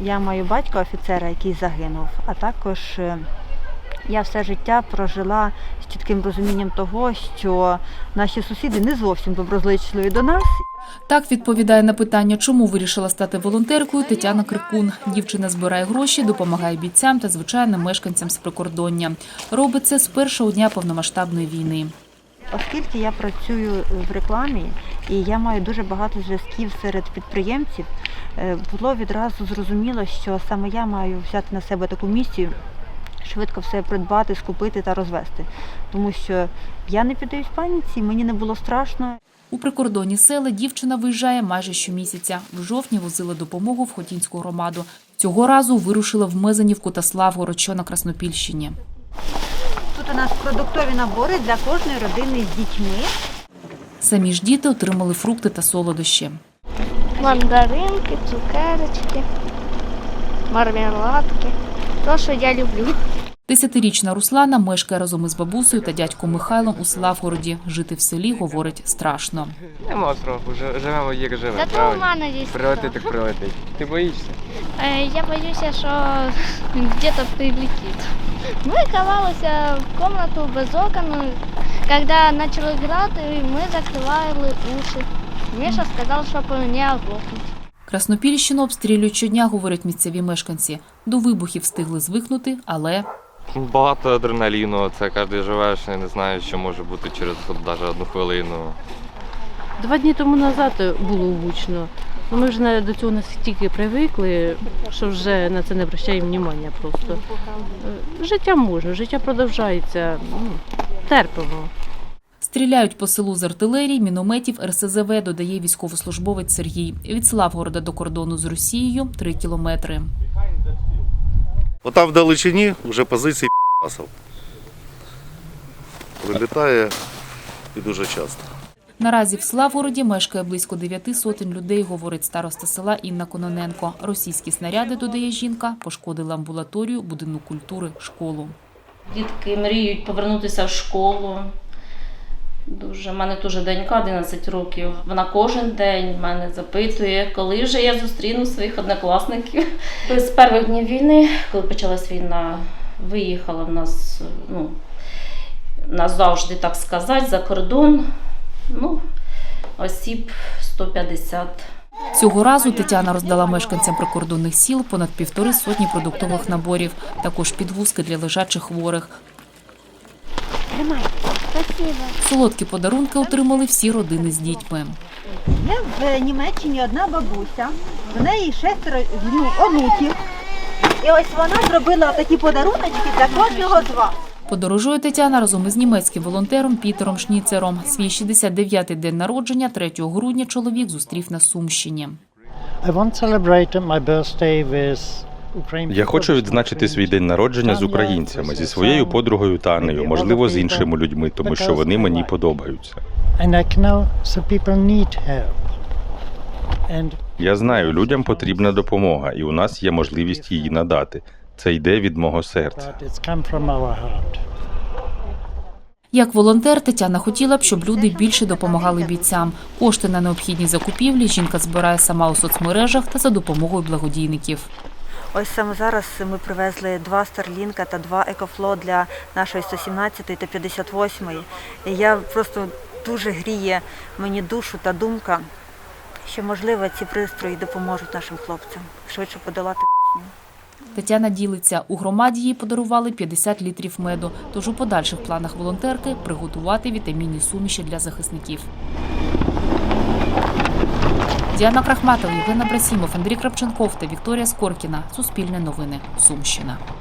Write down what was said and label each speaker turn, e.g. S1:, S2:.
S1: Я маю батька офіцера, який загинув, а також я все життя прожила з чітким розумінням того, що наші сусіди не зовсім доброзичливі до нас.
S2: Так відповідає на питання, чому вирішила стати волонтеркою, Тетяна Крикун. Дівчина збирає гроші, допомагає бійцям та звичайним мешканцям з прикордоння. Робить це з першого дня повномасштабної війни.
S1: Оскільки я працюю в рекламі і я маю дуже багато зв'язків серед підприємців, було відразу зрозуміло, що саме я маю взяти на себе таку місію, швидко все придбати, скупити та розвести. Тому що я не піддаюсь паніці, мені не було страшно.
S2: У прикордонні села дівчина виїжджає майже щомісяця. В жовтні возила допомогу в Хотінську громаду. Цього разу вирушила в Мезенівку та Славгород, що на Краснопільщині.
S1: Тут у нас продуктові набори для кожної родини з дітьми.
S2: Самі ж діти отримали фрукти та солодощі.
S3: Мандаринки, цукерочки, мармеладки. То, що я люблю.
S2: 10-річна Руслана мешкає разом із бабусею та дядьком Михайлом у Славгороді. Жити в селі, говорить, страшно.
S4: Нема страху, живемо як живемо.
S3: Зато у мене є
S4: Прилетить так прилетить. Ти боїшся?
S3: Я боюся, що где-то прилетить. Ми ховалися в кімнату без окон. Коли почали грати, ми закривали уші. Міша сказав, щоб не оглохнути.
S2: Краснопільщину обстрілюють щодня, говорять місцеві мешканці. До вибухів встигли звикнути, але...
S4: Багато адреналіну, це кожен живеш і не знаєш, що може бути через навіть одну хвилину.
S5: 2 дні тому назад було гучно. Ми вже до цього настільки привикли, що вже на це не обращаємо уваги просто. Життя можна, життя продовжується, терпимо.
S2: Стріляють по селу з артилерії, мінометів, РСЗВ, додає військовослужбовець Сергій. Від Славгорода до кордону з Росією 3 кілометри.
S6: Отам в далечині вже позиції п***асов. Прилітає і дуже часто.
S2: Наразі в Славгороді мешкає близько 9 сотень людей, говорить староста села Інна Кононенко. Російські снаряди, додає жінка, пошкодили амбулаторію, будинок культури, школу.
S7: Дітки мріють повернутися в школу. У мене теж донька 11 років. Вона кожен день мене запитує, коли вже я зустріну своїх однокласників. З перших днів війни, коли почалась війна, виїхала в нас, назавжди, так сказати, за кордон. Осіб 150.
S2: Цього разу Тетяна роздала мешканцям прикордонних сіл понад 1,5 сотні продуктових наборів, також підвузки для лежачих хворих.
S3: Спасибо.
S2: Солодкі подарунки отримали всі родини з дітьми.
S1: Є в Німеччині одна бабуся, в неї 6 онуків. І ось вона зробила такі подаруночки для кожного з вас.
S2: Подорожує Тетяна разом із німецьким волонтером Пітером Шніцером. Свій 69-й день народження 3 грудня чоловік зустрів на Сумщині.
S8: Я хочу відзначити свій день народження з українцями, зі своєю подругою Танею, можливо, з іншими людьми, тому що вони мені подобаються. Я знаю, людям потрібна допомога, і у нас є можливість її надати. Це йде від мого серця.
S2: Як волонтер, Тетяна хотіла б, щоб люди більше допомагали бійцям. Кошти на необхідні закупівлі жінка збирає сама у соцмережах та за допомогою благодійників.
S1: Ось саме зараз ми привезли 2 Старлінка та 2 Екофло для нашої 117-ї та 58-ї. І я просто дуже гріє мені душу та думка, що, можливо, ці пристрої допоможуть нашим хлопцям швидше подолати війну.
S2: Тетяна ділиться, у громаді їй подарували 50 літрів меду, тож у подальших планах волонтерки – приготувати вітамінні суміші для захисників. Діана Крахматова, Євген Абрасімов, Андрій Крапченков та Вікторія Скоркіна. Суспільне новини. Сумщина.